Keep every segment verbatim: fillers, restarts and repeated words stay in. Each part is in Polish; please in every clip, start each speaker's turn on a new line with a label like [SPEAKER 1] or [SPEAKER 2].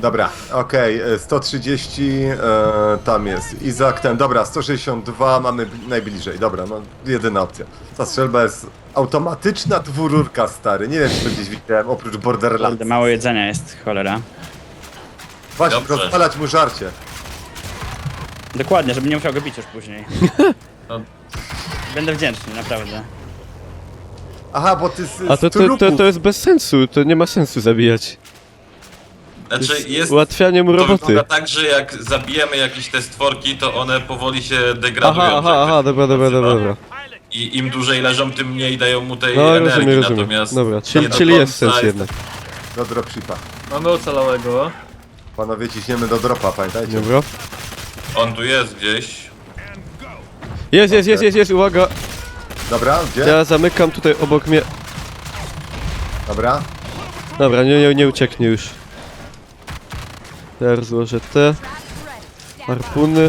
[SPEAKER 1] Dobra, okej, okay, sto trzydzieści, e, tam jest Izak, ten, dobra, sto sześćdziesiąt dwa mamy najbliżej, dobra, no jedyna opcja. Ta strzelba jest automatyczna dwururka, stary, nie wiem czy to gdzieś widziałem, oprócz Borderlands.
[SPEAKER 2] Kurde, mało jedzenia jest, cholera.
[SPEAKER 1] Właśnie,
[SPEAKER 3] Dobrze.
[SPEAKER 1] rozpalać mu żarcie.
[SPEAKER 2] Dokładnie, żeby nie musiał go bić już później.
[SPEAKER 3] No,
[SPEAKER 2] Będę wdzięczny, naprawdę.
[SPEAKER 1] Aha, bo ty z,
[SPEAKER 4] A to,
[SPEAKER 1] z
[SPEAKER 4] to, to,
[SPEAKER 1] trupów.
[SPEAKER 4] to jest bez sensu, to nie ma sensu zabijać.
[SPEAKER 3] znaczy jest...
[SPEAKER 4] Ułatwianie mu
[SPEAKER 3] To
[SPEAKER 4] roboty.
[SPEAKER 3] wygląda tak, że jak zabijemy jakieś te stworki, to one powoli się degradują.
[SPEAKER 4] Aha, aha,
[SPEAKER 3] że
[SPEAKER 4] aha,
[SPEAKER 3] tak
[SPEAKER 4] dobra, dobra,
[SPEAKER 3] nazywa.
[SPEAKER 4] dobra, dobra.
[SPEAKER 3] I im dłużej leżą, tym mniej dają mu tej
[SPEAKER 4] No
[SPEAKER 3] energii,
[SPEAKER 4] rozumiem, rozumiem.
[SPEAKER 3] natomiast...
[SPEAKER 4] Dobra,
[SPEAKER 3] nie
[SPEAKER 4] czyli,
[SPEAKER 3] do
[SPEAKER 4] czyli jest
[SPEAKER 3] końca
[SPEAKER 4] sens jednak.
[SPEAKER 1] Do dropshipa.
[SPEAKER 5] Mamy ocalałego.
[SPEAKER 1] Panowie, ciśniemy do dropa, pamiętajcie.
[SPEAKER 4] Dobra.
[SPEAKER 3] On tu jest gdzieś.
[SPEAKER 4] Jest, jest, jest, jest, jest, uwaga!
[SPEAKER 1] Dobra, gdzie?
[SPEAKER 4] Ja zamykam tutaj obok mnie.
[SPEAKER 1] Dobra.
[SPEAKER 4] Dobra, nie, nie, nie ucieknie już. Teraz złożę te harpuny.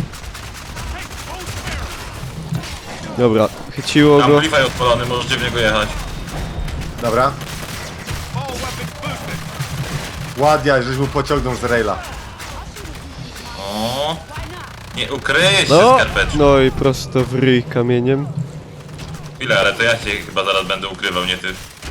[SPEAKER 4] Dobra, chyciło go.
[SPEAKER 3] Amplify odpalony, możecie w niego jechać.
[SPEAKER 1] Dobra. Ładnie, żeś mu pociągnął z raila.
[SPEAKER 3] O, nie ukryje się
[SPEAKER 4] No,
[SPEAKER 3] skarpeczką.
[SPEAKER 4] no i prosto w ryj kamieniem.
[SPEAKER 3] Chwilę, ale to ja się chyba zaraz będę ukrywał, nie ty.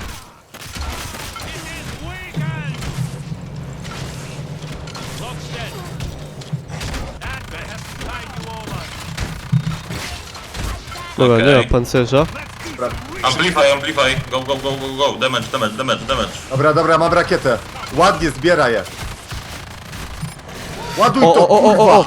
[SPEAKER 4] Dobra,
[SPEAKER 3] Okej.
[SPEAKER 4] nie ma pancerza.
[SPEAKER 3] Amplify, amplify, go, go, go, go, go, damage, damage, damage, damage.
[SPEAKER 1] Dobra, dobra, mam rakietę. Ładnie zbieraj je. Ładuj
[SPEAKER 4] O,
[SPEAKER 1] to,
[SPEAKER 4] o, o, o, o, o!
[SPEAKER 1] kurwa!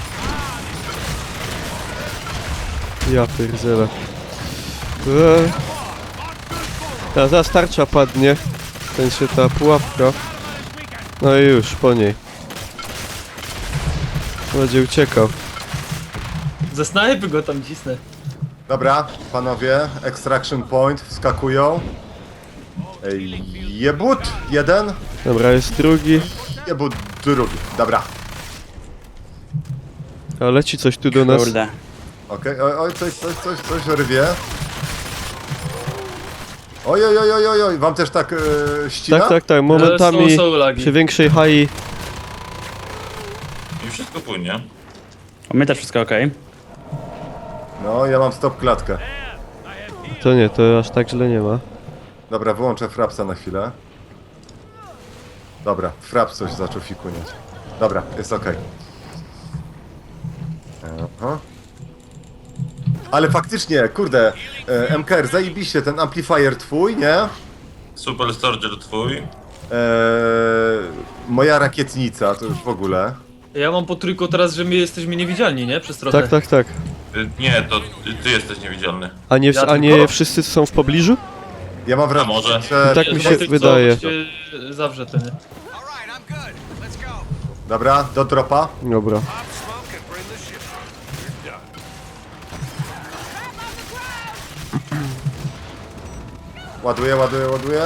[SPEAKER 4] Ja pierdzielę. Eee. Ta zaraz tarcza padnie. Ten się ta pułapka. No i już, po niej. Będzie uciekał.
[SPEAKER 5] Ze snajpy go tam cisnę.
[SPEAKER 1] Dobra, panowie, extraction point, wskakują. Ej, Jebut, jeden.
[SPEAKER 4] Dobra, jest drugi.
[SPEAKER 1] Jebut, drugi. Dobra.
[SPEAKER 4] A leci coś tu do nas.
[SPEAKER 2] Kurde.
[SPEAKER 1] Okej, oj, oj, coś, coś, coś, coś rwie. Oj, oj, oj, oj, oj, oj, wam też tak e, ścina?
[SPEAKER 4] Tak, tak, tak. Momentami
[SPEAKER 5] Ale są- są lagi.
[SPEAKER 4] przy większej hai.
[SPEAKER 3] I wszystko płynie.
[SPEAKER 2] U mnie też wszystko okej.
[SPEAKER 1] No, ja mam stop klatkę.
[SPEAKER 4] To nie, to aż tak źle nie ma.
[SPEAKER 1] Dobra, wyłączę frapsa na chwilę. Dobra, fraps coś zaczął fikuniać. Dobra, jest okej. Aha. Ale faktycznie, kurde, e, M K R, zajebiście, ten amplifier twój, nie?
[SPEAKER 3] Super Soldier twój.
[SPEAKER 1] E, moja rakietnica, to już w ogóle.
[SPEAKER 5] Ja mam po trójku teraz, że my jesteśmy niewidzialni, nie? Przez trochę.
[SPEAKER 4] Tak, tak, tak.
[SPEAKER 3] Y, Nie, to ty, ty jesteś niewidzialny.
[SPEAKER 4] A nie,
[SPEAKER 5] Ja
[SPEAKER 4] a nie
[SPEAKER 5] tylko-
[SPEAKER 4] wszyscy są w pobliżu?
[SPEAKER 1] Ja mam wrażenie,
[SPEAKER 3] może?
[SPEAKER 1] że...
[SPEAKER 4] Tak mi się
[SPEAKER 5] Zobaczyć, co
[SPEAKER 4] wydaje.
[SPEAKER 5] się zawrze ten.
[SPEAKER 1] Dobra, do dropa.
[SPEAKER 4] Dobra.
[SPEAKER 1] Ładuję, ładuję, ładuję.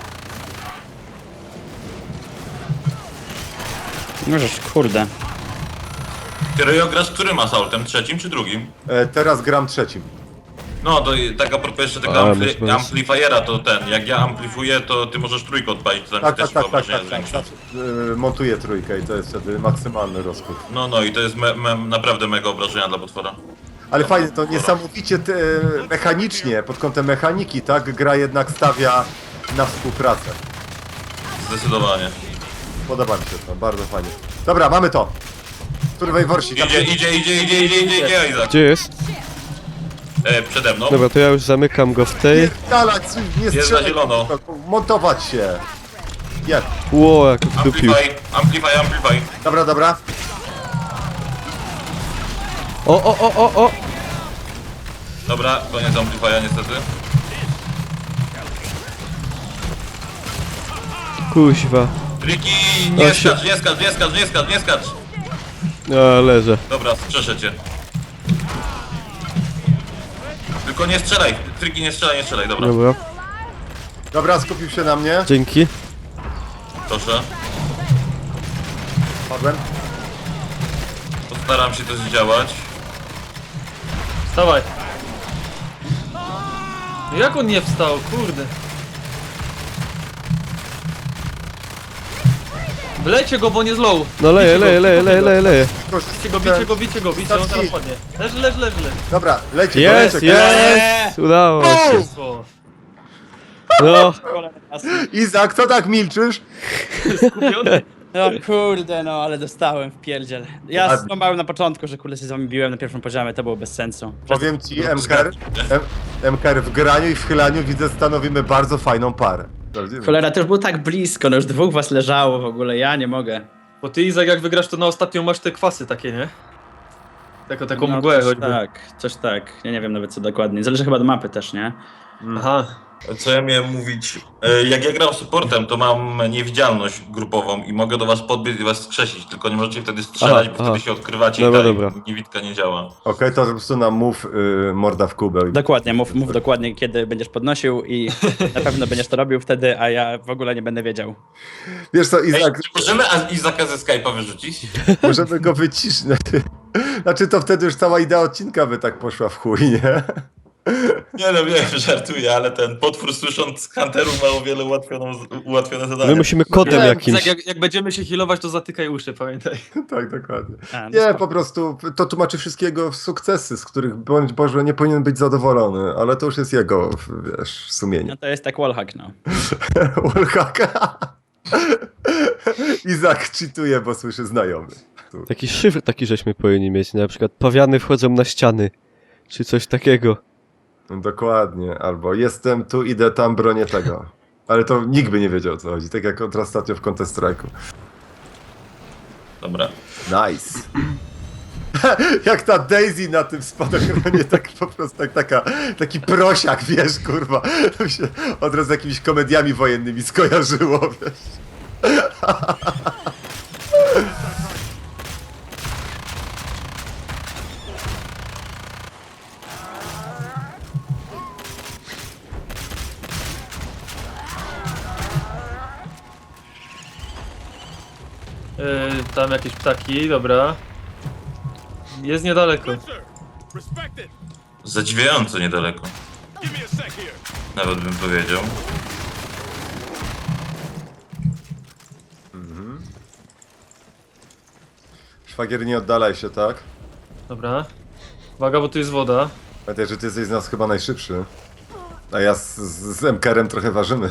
[SPEAKER 2] Możesz, kurde.
[SPEAKER 3] Ty Ryjo grasz którym assaultem? Trzecim czy drugim?
[SPEAKER 1] E, teraz gram trzecim.
[SPEAKER 3] No to i tak a propos jeszcze tego
[SPEAKER 4] A,
[SPEAKER 3] ampli
[SPEAKER 4] masz- masz-
[SPEAKER 3] amplifiera, to ten, jak ja amplifuję, to ty możesz trójkę odpalić, to tam
[SPEAKER 1] Tak,
[SPEAKER 3] też
[SPEAKER 1] tak, tak, tak,
[SPEAKER 3] wyobrażenia
[SPEAKER 1] tak, tak,
[SPEAKER 3] zwiększa.
[SPEAKER 1] tak. E, montuję trójkę i to jest wtedy maksymalny rozkład.
[SPEAKER 3] No, no i to jest me me naprawdę mega obrażenia dla potwora.
[SPEAKER 1] Ale fajnie, to niesamowicie te, mechanicznie, pod kątem mechaniki, tak? Gra jednak stawia na współpracę.
[SPEAKER 3] Zdecydowanie.
[SPEAKER 1] Podoba mi się to, bardzo fajnie. Dobra, mamy to. Survey Warsi, tam
[SPEAKER 3] Idzie, idzie, idzie, idzie, idzie, idzie, idzie, Izak.
[SPEAKER 4] Gdzie jest?
[SPEAKER 3] E, przede mną.
[SPEAKER 4] Dobra, to ja już zamykam go w tej.
[SPEAKER 1] Pierdalać, nie
[SPEAKER 3] Jest na
[SPEAKER 1] strzelać,
[SPEAKER 3] zielono.
[SPEAKER 1] montować się. Jeb.
[SPEAKER 4] Ło, jak wdupił.
[SPEAKER 3] Amplify, amplify, amplify.
[SPEAKER 1] Dobra, dobra.
[SPEAKER 4] O, o, o, o, o!
[SPEAKER 3] Dobra, koniec amplifya niestety.
[SPEAKER 4] Kuźwa.
[SPEAKER 3] Ricky, nie
[SPEAKER 4] O, się-
[SPEAKER 3] skacz, nie skacz, nie skacz, nie skacz, nie skacz.
[SPEAKER 4] A, leżę.
[SPEAKER 3] Dobra, strzeszę cię. Tylko nie strzelaj, Triki nie strzelaj, nie strzelaj, dobra.
[SPEAKER 4] Dobra,
[SPEAKER 1] Dobra, skupił się na mnie.
[SPEAKER 4] dzięki.
[SPEAKER 3] Proszę.
[SPEAKER 1] Padłem.
[SPEAKER 3] Postaram się to zdziałać.
[SPEAKER 5] Wstawaj. No jak on nie wstał, kurde. Wlejcie go, bo nie zlow.
[SPEAKER 4] No leje,
[SPEAKER 5] Bicie go,
[SPEAKER 4] leje, leje,
[SPEAKER 5] bicie
[SPEAKER 4] leje,
[SPEAKER 5] go.
[SPEAKER 4] leje, leje.
[SPEAKER 5] Bicie go, bicie go, bicie go, bicie, on teraz padnie. Leży, leży, leży, leży.
[SPEAKER 1] Dobra, leci,
[SPEAKER 4] Jest,
[SPEAKER 1] leci.
[SPEAKER 4] jest! Udało się.
[SPEAKER 5] O,
[SPEAKER 4] No,
[SPEAKER 1] Izak, co tak milczysz?
[SPEAKER 5] skupiony.
[SPEAKER 2] No kurde, no ale dostałem w pierdziel. Ja
[SPEAKER 1] Ładnie.
[SPEAKER 2] skłamałem na początku, że kurde się z wami biłem na pierwszym poziomie, to było bez sensu.
[SPEAKER 1] Powiem ci, M K R, M- M K R w graniu i w chylaniu widzę, stanowimy bardzo fajną parę. Prawdziwie.
[SPEAKER 2] Cholera, to już było tak blisko, no już dwóch was leżało w ogóle, ja nie mogę.
[SPEAKER 5] Bo ty, Izak, jak wygrasz, to na ostatnią masz te kwasy takie, nie? Taką, taką
[SPEAKER 2] No,
[SPEAKER 5] mgłę
[SPEAKER 2] coś
[SPEAKER 5] choćby.
[SPEAKER 2] tak, coś tak. Ja nie wiem nawet co dokładnie. Zależy chyba od mapy też, nie?
[SPEAKER 5] Aha.
[SPEAKER 3] Co ja miałem mówić? E, Jak ja gram supportem, to mam niewidzialność grupową i mogę do was podbiec i was skrzesić, tylko nie możecie wtedy strzelać,
[SPEAKER 4] Aha,
[SPEAKER 3] bo
[SPEAKER 4] aha.
[SPEAKER 3] wtedy się odkrywacie
[SPEAKER 4] Dobra,
[SPEAKER 3] i ta
[SPEAKER 4] dobra.
[SPEAKER 3] niewidka nie działa.
[SPEAKER 1] Okej, to po prostu nam mów y, morda w kubeł.
[SPEAKER 2] Dokładnie, mów, mów dokładnie kiedy będziesz podnosił i na pewno będziesz to robił wtedy, a ja w ogóle nie będę wiedział.
[SPEAKER 1] Wiesz co,
[SPEAKER 3] Ej,
[SPEAKER 1] Izak,
[SPEAKER 3] czy możemy A- Izaka ze Skype'a wyrzucić?
[SPEAKER 1] możemy go wyciszyć. Znaczy, znaczy to wtedy już cała idea odcinka by tak poszła w chuj, nie?
[SPEAKER 3] Nie no wiem, żartuję, ale ten potwór słysząc Hunterów ma o wiele ułatwioną, ułatwione zadanie.
[SPEAKER 4] my musimy kodem
[SPEAKER 5] Izak,
[SPEAKER 4] jakimś.
[SPEAKER 5] jak, jak będziemy się healować, to zatykaj uszy, pamiętaj.
[SPEAKER 1] Tak, dokładnie.
[SPEAKER 2] A, no
[SPEAKER 1] Nie,
[SPEAKER 2] spoko.
[SPEAKER 1] po prostu to tłumaczy wszystkiego sukcesy, z których bądź Boże nie powinien być zadowolony, ale to już jest jego, wiesz, sumienie.
[SPEAKER 2] No to jest tak wallhack, no.
[SPEAKER 1] Wallhacka. Izak cheatuje, bo słyszy znajomy.
[SPEAKER 4] Taki szyfr taki żeśmy powinni mieć, na przykład pawiany wchodzą na ściany. Czy coś takiego.
[SPEAKER 1] Dokładnie, albo jestem tu, idę tam, bronię tego. Ale to nikt by nie wiedział o co chodzi, tak jak kontra ostatnio w Counter Strike'u.
[SPEAKER 3] Dobra.
[SPEAKER 1] Nice. Jak ta Daisy na tym spadochronie, tak po prostu tak, taka, taki prosiak, wiesz, kurwa. To mi się od razu z jakimiś komediami wojennymi skojarzyło, wiesz.
[SPEAKER 5] Yy, tam jakieś ptaki, dobra. Jest niedaleko.
[SPEAKER 3] Zadziwiająco niedaleko. Nawet bym powiedział.
[SPEAKER 1] Szwagier, nie oddalaj się, tak?
[SPEAKER 5] Dobra. Uwaga, bo tu jest woda.
[SPEAKER 1] Pamiętaj, że ty jesteś z nas chyba najszybszy. A ja z, z, z M K R-em trochę ważymy.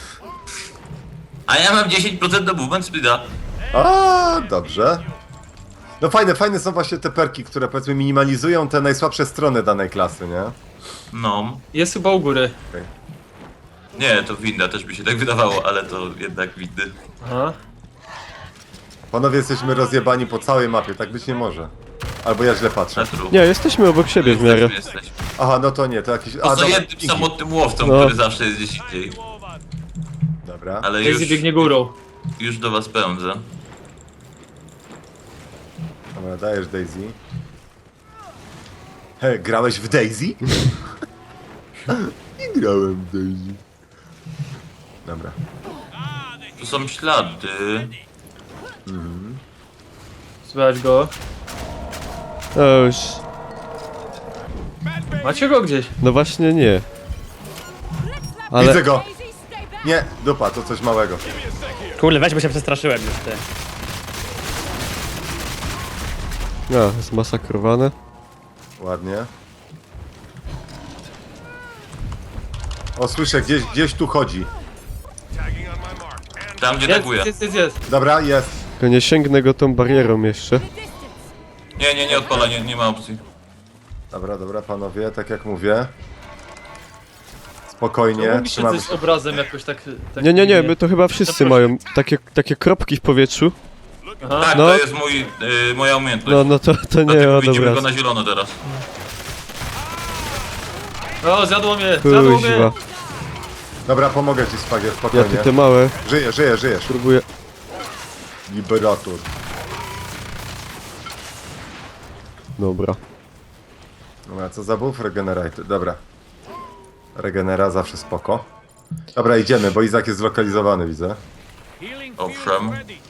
[SPEAKER 3] A ja mam dziesięć procent do movement speeda.
[SPEAKER 1] A, dobrze. No fajne, fajne są właśnie te perki, które powiedzmy minimalizują te najsłabsze strony danej klasy, nie?
[SPEAKER 3] No.
[SPEAKER 5] Jest chyba u góry.
[SPEAKER 3] Nie, to winda, też by się tak wydawało, ale to jednak windy.
[SPEAKER 5] Aha.
[SPEAKER 1] Panowie, jesteśmy rozjebani po całej mapie, tak być nie może. Albo ja źle patrzę.
[SPEAKER 3] Na trup.
[SPEAKER 4] Nie, jesteśmy obok siebie w miarę.
[SPEAKER 3] Jesteśmy, jesteśmy.
[SPEAKER 1] Aha, no to nie, to jakiś... A,
[SPEAKER 3] Poza
[SPEAKER 1] dobra,
[SPEAKER 3] jednym
[SPEAKER 1] dzięki.
[SPEAKER 3] samotnym łowcą,
[SPEAKER 4] No.
[SPEAKER 3] który zawsze jest gdzieś indziej.
[SPEAKER 1] Dobra.
[SPEAKER 3] Ale
[SPEAKER 5] Daisy
[SPEAKER 3] już,
[SPEAKER 5] biegnie górą.
[SPEAKER 3] już do was pędzę.
[SPEAKER 1] Dobra, dajesz Daisy. He, grałeś w Daisy? Nie grałem w Daisy. Dobra.
[SPEAKER 3] Tu są ślady.
[SPEAKER 5] Słychać go.
[SPEAKER 4] O, już.
[SPEAKER 5] Macie go gdzieś?
[SPEAKER 4] No właśnie nie. Ale
[SPEAKER 1] Widzę go! Nie, dupa, to coś małego.
[SPEAKER 2] Kurde, weź, bo się przestraszyłem już, ty.
[SPEAKER 4] no, zmasakrowane.
[SPEAKER 1] Ładnie. O, słyszę, gdzieś, gdzieś tu chodzi.
[SPEAKER 3] Tam gdzie
[SPEAKER 5] Jest,
[SPEAKER 3] taguje.
[SPEAKER 5] jest, jest, jest.
[SPEAKER 1] Dobra, jest.
[SPEAKER 4] Tylko nie sięgnę go tą barierą jeszcze.
[SPEAKER 3] Nie, nie, nie odpala, nie, nie ma opcji.
[SPEAKER 1] Dobra, dobra, panowie, tak jak mówię.
[SPEAKER 5] Nie,
[SPEAKER 1] Spokojnie,
[SPEAKER 5] mówi się
[SPEAKER 1] trzymamy
[SPEAKER 5] coś
[SPEAKER 1] się.
[SPEAKER 5] obrazem jakoś tak... tak
[SPEAKER 4] Nie, nie, nie,
[SPEAKER 5] dziwnie.
[SPEAKER 4] my to chyba wszyscy
[SPEAKER 5] Zaproszę.
[SPEAKER 4] mają takie, takie kropki w powietrzu.
[SPEAKER 5] Aha.
[SPEAKER 3] Tak,
[SPEAKER 4] No.
[SPEAKER 3] to jest mój, y, moja umiejętność.
[SPEAKER 4] No, no to, to nie,
[SPEAKER 3] Dlatego
[SPEAKER 4] o
[SPEAKER 3] widzimy
[SPEAKER 4] dobra.
[SPEAKER 3] go na zielono teraz.
[SPEAKER 5] O, zjadło mnie, zjadło mnie.
[SPEAKER 4] Kuźwa.
[SPEAKER 1] Dobra, pomogę ci, Spagier,
[SPEAKER 4] Ja
[SPEAKER 1] spokojnie.
[SPEAKER 4] tu te małe
[SPEAKER 1] Żyję, żyję, żyjesz.
[SPEAKER 4] próbuję.
[SPEAKER 1] Liberator.
[SPEAKER 4] Dobra.
[SPEAKER 1] Dobra, co za buff? Regenerate. Dobra. Regenera zawsze spoko. Dobra, idziemy, bo Izak jest zlokalizowany, widzę.
[SPEAKER 3] Owszem.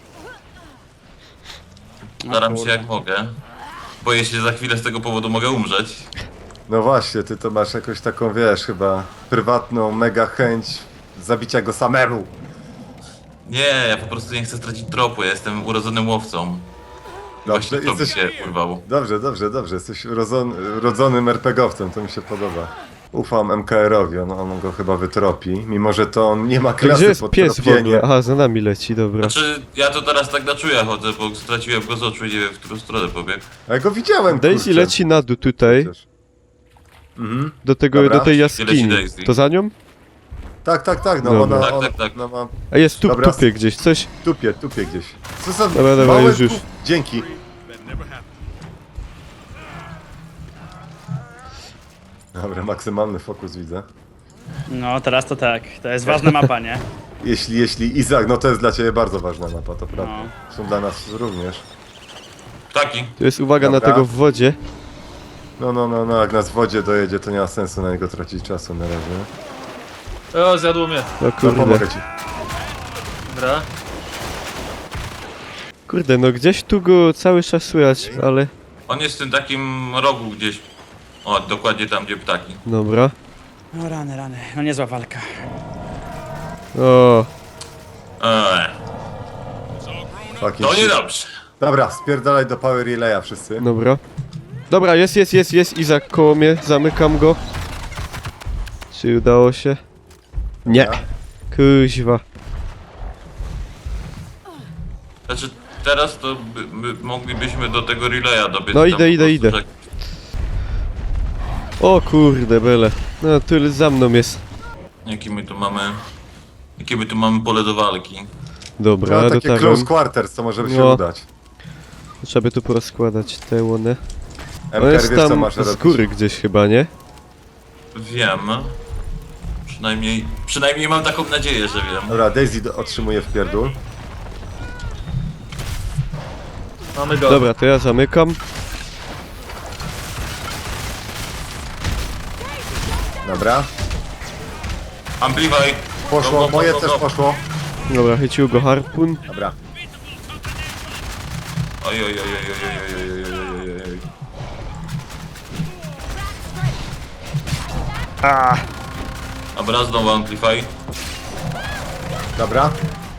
[SPEAKER 3] Staram się jak mogę. Boję się, że za chwilę z tego powodu mogę umrzeć.
[SPEAKER 1] No właśnie, ty to masz jakąś taką, wiesz, chyba prywatną mega chęć zabicia go samemu.
[SPEAKER 3] Nie, ja po prostu nie chcę stracić tropu, ja jestem urodzonym łowcą.
[SPEAKER 1] Dobrze,
[SPEAKER 3] Właśnie to mi
[SPEAKER 1] jesteś...
[SPEAKER 3] się urwało.
[SPEAKER 1] Dobrze, dobrze, dobrze. Jesteś rodzon... rodzonym RPGowcem, to mi się podoba. Ufam M K R-owi, on, on go chyba wytropi, mimo że to on nie ma
[SPEAKER 4] A
[SPEAKER 1] klasy
[SPEAKER 4] gdzie jest
[SPEAKER 1] pod
[SPEAKER 4] pies w
[SPEAKER 1] tropienie.
[SPEAKER 4] ogóle? Aha, za nami leci, dobra.
[SPEAKER 3] Znaczy, ja to teraz tak na czuja chodzę, bo straciłem go z oczu i nie wiem, w którą stronę pobiegł.
[SPEAKER 1] A ja go widziałem,
[SPEAKER 4] Daisy
[SPEAKER 1] kurczę.
[SPEAKER 4] leci na dół tutaj,
[SPEAKER 1] Przecież. Mhm.
[SPEAKER 4] do tego,
[SPEAKER 1] Dobra.
[SPEAKER 4] do tej
[SPEAKER 3] Gdzie
[SPEAKER 4] jaskini.
[SPEAKER 3] leci Daisy?
[SPEAKER 4] To za nią?
[SPEAKER 1] Tak, tak, tak, no
[SPEAKER 4] Dobra.
[SPEAKER 1] ona,
[SPEAKER 3] Tak,
[SPEAKER 1] ona,
[SPEAKER 3] tak, tak.
[SPEAKER 1] ona ma...
[SPEAKER 4] A jest tu,
[SPEAKER 1] Dobra.
[SPEAKER 4] tupie gdzieś, coś.
[SPEAKER 1] Tupie, tupie gdzieś. Co za
[SPEAKER 4] Dobra, dobra,
[SPEAKER 1] małe
[SPEAKER 4] już, już.
[SPEAKER 1] pu- Dzięki. Dobra, maksymalny fokus widzę.
[SPEAKER 2] No, teraz to tak. To jest ważna mapa, nie?
[SPEAKER 1] Jeśli, jeśli Izak, no to jest dla ciebie bardzo ważna mapa, to prawda.
[SPEAKER 2] No.
[SPEAKER 1] Są dla nas również.
[SPEAKER 3] Ptaki.
[SPEAKER 4] Tu jest uwaga
[SPEAKER 1] Dobra.
[SPEAKER 4] na tego w wodzie.
[SPEAKER 1] No, no, no, no, jak nas w wodzie dojedzie, to nie ma sensu na niego tracić czasu na razie.
[SPEAKER 5] O, zjadło mnie.
[SPEAKER 4] No
[SPEAKER 1] No, pomogę
[SPEAKER 4] kurde.
[SPEAKER 1] ci.
[SPEAKER 5] Dobra.
[SPEAKER 4] Kurde, no gdzieś tu go cały czas słychać, ale...
[SPEAKER 3] On jest w tym takim rogu gdzieś. O, dokładnie tam, gdzie ptaki.
[SPEAKER 4] Dobra.
[SPEAKER 2] No rany, rany. No niezła walka.
[SPEAKER 4] O,
[SPEAKER 3] Eee,
[SPEAKER 1] Fucking
[SPEAKER 3] to
[SPEAKER 1] shit.
[SPEAKER 3] niedobrze.
[SPEAKER 1] Dobra, spierdalaj do Power Relaya wszyscy.
[SPEAKER 4] dobra. Dobra, jest, jest, jest, jest Izak koło mnie, zamykam go. Czy udało się? Nie.
[SPEAKER 1] Dobra.
[SPEAKER 4] Kuźwa.
[SPEAKER 3] Znaczy, teraz to by, my moglibyśmy do tego relaya dobiec.
[SPEAKER 4] No
[SPEAKER 3] tam
[SPEAKER 4] idę,
[SPEAKER 3] po
[SPEAKER 4] idę,
[SPEAKER 3] prostu,
[SPEAKER 4] idę.
[SPEAKER 3] że-
[SPEAKER 4] O kurde, bele. No, tu za mną jest.
[SPEAKER 3] Jaki my tu mamy... Jakie my tu mamy pole do walki.
[SPEAKER 4] Dobra,
[SPEAKER 1] No, takie close
[SPEAKER 4] dotarłem.
[SPEAKER 1] quarters, co może by się
[SPEAKER 4] No.
[SPEAKER 1] udać.
[SPEAKER 4] Trzeba by tu porozkładać te łony. On
[SPEAKER 1] M K R,
[SPEAKER 4] jest
[SPEAKER 1] wiesz co
[SPEAKER 4] tam
[SPEAKER 1] masz
[SPEAKER 4] z
[SPEAKER 1] robić?
[SPEAKER 4] góry gdzieś chyba, nie?
[SPEAKER 3] Wiem. Przynajmniej... Przynajmniej mam taką nadzieję, że wiem.
[SPEAKER 1] Dobra, Daisy do- otrzymuje w pierdół.
[SPEAKER 5] Mamy go.
[SPEAKER 4] Dobra, to ja zamykam.
[SPEAKER 1] Dobra.
[SPEAKER 3] Amplify!
[SPEAKER 1] Poszło,
[SPEAKER 3] Go, go, go,
[SPEAKER 1] moje
[SPEAKER 3] go,
[SPEAKER 1] też
[SPEAKER 3] go.
[SPEAKER 1] poszło.
[SPEAKER 4] Dobra, chycił go harpun.
[SPEAKER 1] Dobra.
[SPEAKER 3] Oj, oj, oj, oj, oj, oj, oj, oj, oj, oj, oj. Dobra, znowu Amplify.
[SPEAKER 1] Dobra.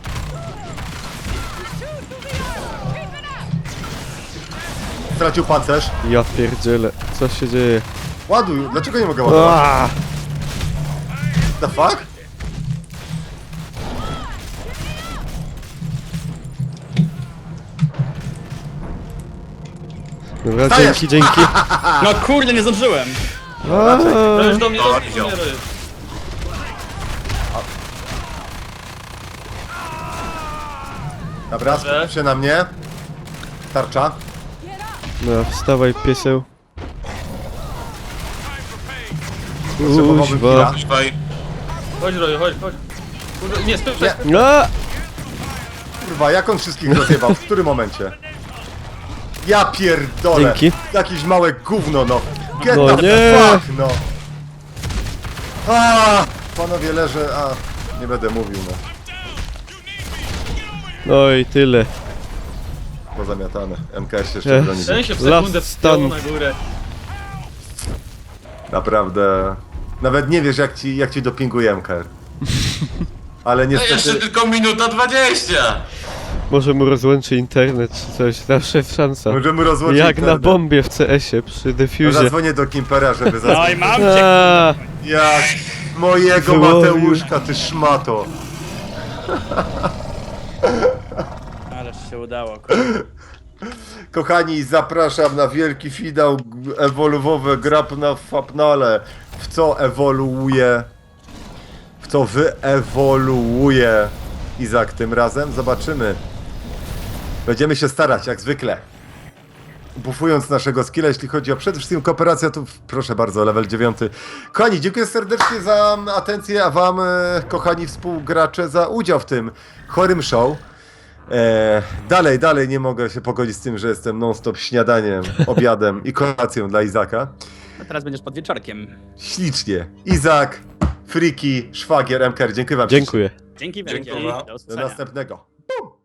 [SPEAKER 1] Stracił pancerz.
[SPEAKER 4] Ja pierdzielę, co się dzieje?
[SPEAKER 1] Ładuj, dlaczego nie mogę ładować?
[SPEAKER 4] Aaaa!
[SPEAKER 1] The fuck?
[SPEAKER 4] Dobra,
[SPEAKER 1] Stajesz!
[SPEAKER 4] dzięki, dzięki.
[SPEAKER 2] No kurde, nie zdążyłem.
[SPEAKER 4] Aaaa!
[SPEAKER 5] Robisz do mnie,
[SPEAKER 3] O,
[SPEAKER 5] do mnie,
[SPEAKER 3] wziął.
[SPEAKER 5] do mnie, robisz.
[SPEAKER 1] Dobra,
[SPEAKER 5] Dobrze.
[SPEAKER 1] skup się na mnie. Tarcza.
[SPEAKER 4] No, wstawaj pieseł.
[SPEAKER 1] Potrzebowałbym
[SPEAKER 4] Kuźwa.
[SPEAKER 1] chwila.
[SPEAKER 3] Amplify.
[SPEAKER 5] Chodź, Roju, chodź, chodź. Kurde, nie, spieprzaj.
[SPEAKER 1] Nie.
[SPEAKER 4] A!
[SPEAKER 1] Kurwa, jak on wszystkich rozjebał? W którym momencie? Ja pierdolę.
[SPEAKER 4] Dzięki.
[SPEAKER 1] Jakieś małe gówno, no. Get
[SPEAKER 4] No
[SPEAKER 1] the
[SPEAKER 4] nie.
[SPEAKER 1] fuck, no. A, panowie leżę, a nie będę mówił, no.
[SPEAKER 4] No i tyle.
[SPEAKER 1] Pozamiatane. M K S się jeszcze
[SPEAKER 4] Ech.
[SPEAKER 1] broni.
[SPEAKER 5] Ten się w
[SPEAKER 4] Last
[SPEAKER 5] sekundę
[SPEAKER 4] stand.
[SPEAKER 5] wspiął na górę.
[SPEAKER 1] Naprawdę. Nawet nie wiesz, jak ci, jak ci dopinguje M K R. Ale
[SPEAKER 3] No jeszcze
[SPEAKER 1] niestety...
[SPEAKER 3] tylko minuta dwadzieścia!
[SPEAKER 4] Może mu rozłączy internet czy coś, zawsze szansa.
[SPEAKER 1] Możemy rozłączyć
[SPEAKER 4] Jak na
[SPEAKER 1] internet.
[SPEAKER 4] bombie w C S-ie przy
[SPEAKER 1] No,
[SPEAKER 4] defuzie.
[SPEAKER 1] zadzwonię do Kimpera, żeby
[SPEAKER 2] No i
[SPEAKER 1] zadzwonić.
[SPEAKER 2] mam cię.
[SPEAKER 4] Aaaa!
[SPEAKER 1] Jak mojego
[SPEAKER 4] Wyłowił.
[SPEAKER 1] Mateuszka, ty szmato.
[SPEAKER 2] Ależ się udało, kurde.
[SPEAKER 1] Kochani, zapraszam na wielki finał g- ewoluowy grab na Fapnale. W co ewoluuje? W co wyewoluuje Izak tym razem? Zobaczymy. Będziemy się starać, jak zwykle. Bufując naszego skilla, jeśli chodzi o przede wszystkim kooperację, to w- proszę bardzo, level dziewiąty. Kochani, dziękuję serdecznie za atencję, a wam, e, kochani współgracze, za udział w tym chorym show. E, dalej, dalej nie mogę się pogodzić z tym, że jestem non-stop śniadaniem, obiadem i kolacją dla Izaka.
[SPEAKER 2] A teraz będziesz pod wieczorkiem.
[SPEAKER 1] Ślicznie. Izak, Friki, Szwagier, M K R, dziękuję wam.
[SPEAKER 4] Dziękuję.
[SPEAKER 2] Dzięki wielkie.
[SPEAKER 3] Dziękuję.
[SPEAKER 2] Do
[SPEAKER 1] Do
[SPEAKER 2] usłyszenia.
[SPEAKER 1] następnego. Bum!